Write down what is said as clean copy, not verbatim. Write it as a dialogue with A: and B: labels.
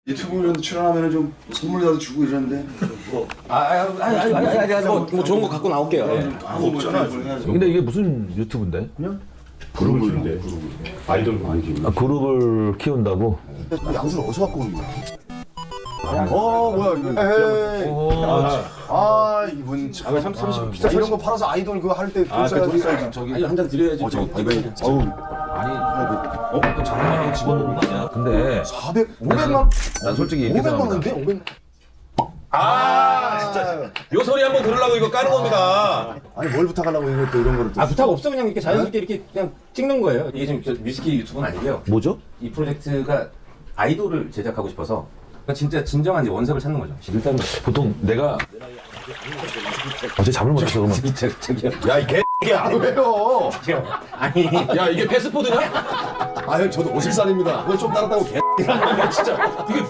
A: 유튜브 이런 데 출연하면 좀 선물이라도 주고 이러는데
B: 아니, 뭐 좋은 거 갖고 나올게요.
A: 아무 없잖아. 해야지.
C: 근데 이게 무슨 유튜브인데?
D: 그룹을 주는데 아이돌 많이
C: 아, 그룹을 키운다고?
A: 양수를 어디서 갖고 오는 거야? 뭐야 이거? 이분 참.
D: 30 비싸.
A: 이런 거 팔아서 아이돌 그거 할 때 돈 써야지.
B: 저기 한 잔 드려야지.
C: 또 장난하고 집어넣는 거 아니야? 근데
A: 500만?
C: 난 솔직히 이렇게
A: 500만
C: 생각한다.
A: 원인데? 500만.
B: 진짜 요 소리 한번 들으려고 이거 까는 겁니다.
A: 아니 뭘 부탁하려고 이거 또 이런 거를 또.
B: 부탁 없어. 그냥 이렇게 자연스럽게 이렇게 그냥 찍는 거예요. 이게 지금 저 뮤지키 유튜브는 아니고요.
C: 뭐죠?
B: 이 프로젝트가 아이돌을 제작하고 싶어서 그러니까 진짜 진정한 이제 원석을 찾는 거죠. 일단
C: 보통 내가 어제 잠을 못 잤어 그러면
B: 저기요.
A: 야 이 개야 왜요?
B: 아니
C: 야 이게 패스포드냐?
A: 아유 저도 50살입니다. 그거 좀 따랐다고 개.
B: 진짜 이게